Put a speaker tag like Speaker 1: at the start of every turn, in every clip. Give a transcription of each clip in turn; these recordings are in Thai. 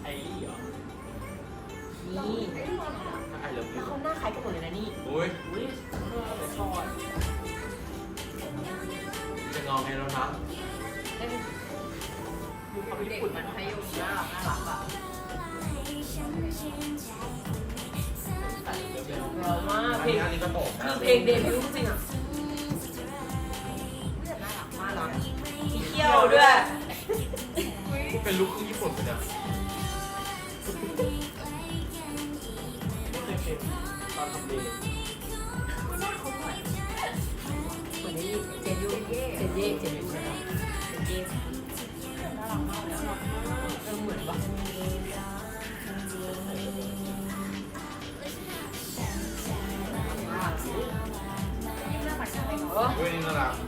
Speaker 1: ลี่เหรอ
Speaker 2: นี่
Speaker 1: ไอเลิฟ
Speaker 2: แล้
Speaker 1: ยู
Speaker 2: วเขาหน้าคล้ายกันหมดเลยนะนี่
Speaker 1: อุ้ย
Speaker 2: อุ้ยเดี๋ยวก่อน
Speaker 1: จะงอไงแล้วนะ
Speaker 2: เอ้ยดูความญี่ปุ่นมันให้ยมน่ารักอ่ะเรามาก
Speaker 1: อัน
Speaker 2: เพล
Speaker 1: นี้
Speaker 2: ง
Speaker 1: อันนี้ก็ตก
Speaker 2: คือเพลงเดบิวต์จริงอ่ะน่ารักมีเขี้ยวด้วย
Speaker 1: เป็นลุคของญี่ปุ่นไปเนี่ยตอนทำเดย์
Speaker 2: เหมือนนี่เจนยูเจนยูใช่ไหมเจนน่ารักมากเลยเหมือนปะ
Speaker 1: อุ้ยนี่น่ารัก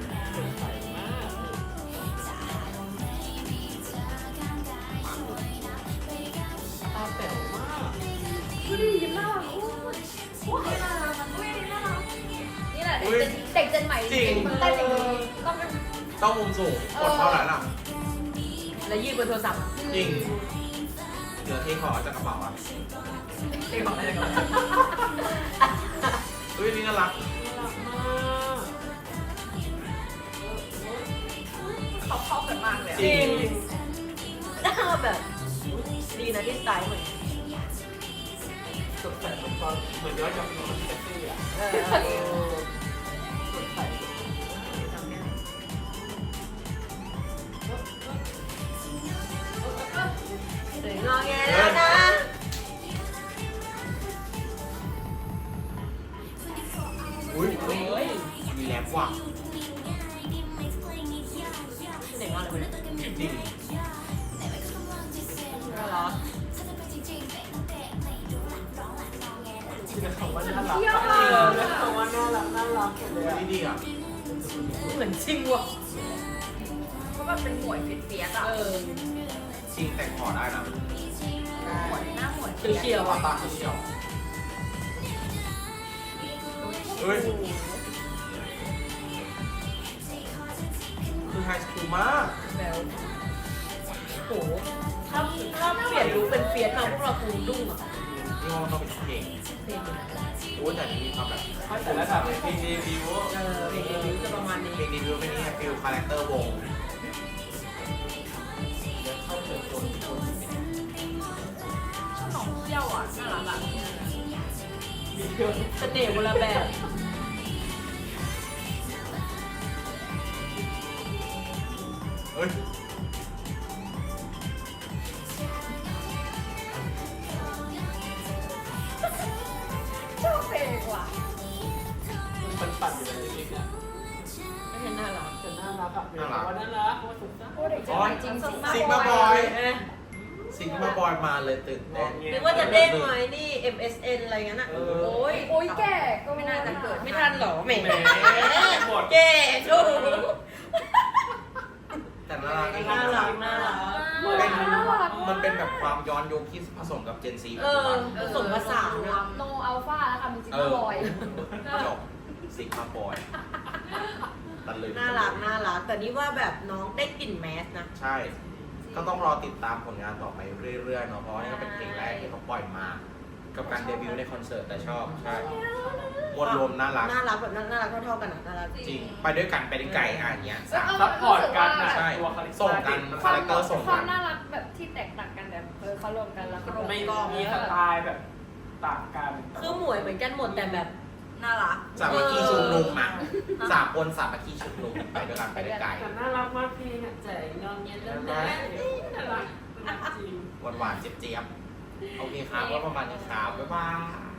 Speaker 2: ตาแป๋วมาก
Speaker 3: ดูดิยิ้มน่ารักอู้นี่น่ารักอุ้ยน่ารักนี่แหละเด็กเจนใหม่จริงแต่จริงต้องเป็น
Speaker 1: ต้องมุมสูงกดเท่านั้นอ่ะ
Speaker 2: แล้วยืนบนโทรศัพท์
Speaker 1: จริงเดี๋ยวเทขอจากกระเป๋าอ่ะ
Speaker 2: เองบอกอะไรกัน
Speaker 1: อุ้ยนี่น่ารัก
Speaker 3: เขาเข้ากันมากเลย
Speaker 2: จริงหน้าแบบดีนะที่สไตล์เหมือน
Speaker 1: สดใสเหมือนย้อนกลับไปของเซ็กซี่อ่ะสดใส
Speaker 2: งอแงแล้วนะ
Speaker 1: อุ้ยมีแรปว่ะ
Speaker 2: เสียงอะไรวะเนี่ย
Speaker 1: จริง
Speaker 2: น่ารัก
Speaker 1: คือคำว่าน่ารัก
Speaker 3: เที่ยวมา
Speaker 1: คำว่าน่ารักเลยนี่ดีอ่ะ
Speaker 2: เหมือนจริงว่ะ
Speaker 3: เขาแบบเป็นหมวยเฟียสอ่ะ
Speaker 1: จริงแต่งขอได้นะ
Speaker 3: หมวยหน้าหมวย
Speaker 2: เขียวๆอ่ะ
Speaker 1: ตาเขียวเฮ้ยคือไฮสคูลมาก
Speaker 2: แล้วโหถ้าเปลี่ยนลุคเป็นเฟียสมาพวกเราคงดุ้งอ่ะ
Speaker 1: นี่ว่ามันต้องเป็นเพลง
Speaker 2: เพลงมัน
Speaker 1: โอ้แต่มีความแบบ
Speaker 4: แต่ละแบบเพลงเดบิวต์
Speaker 2: เพลงเดบิวต์จะประมาณนี้
Speaker 1: เพลงดีวิวไม่นี่ฟิลคาแรคเตอร์วง
Speaker 4: เข้าเชิญชวน
Speaker 3: หนองเที่ยวอ่ะน่ารักอ่ะ
Speaker 2: เสน่ห์คนละแบบ
Speaker 1: เฮ้ย
Speaker 3: ชอบเพลงว่ะ
Speaker 4: มันปั่นอยู่ในนี้เนี่ย
Speaker 2: ไม่ใช่น่ารัก
Speaker 4: แต่น่ารักอ่ะว่าน่ารักว่าสุดท้าย
Speaker 3: โอ้เด็กเจนใหม่จริง
Speaker 1: ซิกมาบอยซิกมาบอยมาเลยตื่นเต้น
Speaker 2: นึกว่าจะเด้งไหมนี่ MSN อะไรเงี้ยนะโอ้ย
Speaker 3: โอ้ยแก่ก็ไม่น่าจะเกิด
Speaker 2: ไม่ทันหรอแหม
Speaker 4: หมด
Speaker 2: แก่ชู
Speaker 1: แต่น่ารัก
Speaker 2: น่ารักน่ารัก
Speaker 1: มันเป็นแบบความย้อนยุคที่ผสมกับเจนซี
Speaker 2: เออผสมผสานอะ
Speaker 3: โนอัลฟาแล้วค่ะมีจิกบอย
Speaker 1: จบซิกมาบอยตะลึง
Speaker 2: น่ารักน่ารักแต่นี่ว่าแบบน้องได้กลิ่นแมสนะ
Speaker 1: ใช่ ก็ต้องรอติดตามผลงานต่อไปเรื่อยๆเนาะเพราะว่านี่ก็เป็นเพลงแรกที่เขาปล่อยมา กับการเดบิวต์ในคอนเสิร์ตแต่ชอบใช่มวลรวมน่ารัก
Speaker 2: น่ารักแบบน่ารักเท่าๆกันอะน่ารัก
Speaker 1: จริง ไปด้วยกันไปได้ไกลอ่ะอย่างเงี้ยสาม
Speaker 4: ซัพพอร์ตกันนะ
Speaker 1: ใช่
Speaker 4: ตัวคาลิ
Speaker 1: ส่งกันคาแรคเตอร์ส่ง
Speaker 3: ควา
Speaker 1: กั
Speaker 3: ม
Speaker 1: น
Speaker 3: น่ารักแบบที่แตกต่างกันแบบเขารวมกันแล้วก็
Speaker 4: ไม่มีสไตล์แบบต่างกัน
Speaker 2: คือหมวยเหมือนกันหมดแต่แบบ
Speaker 3: น่ารัก
Speaker 1: สามัคคีชุมนุมอ่ะสามคนสามัคคีชุมนุมไปด้วยกันไปได้ไกล
Speaker 4: แต่น่ารักมากพี่เนี่ยใจงอนเย็นแล้วนะน่ารักจริง
Speaker 1: หวานๆเจี๊ยบๆโอเคครับก็ประมาณนี้ครับบ๊ายบาย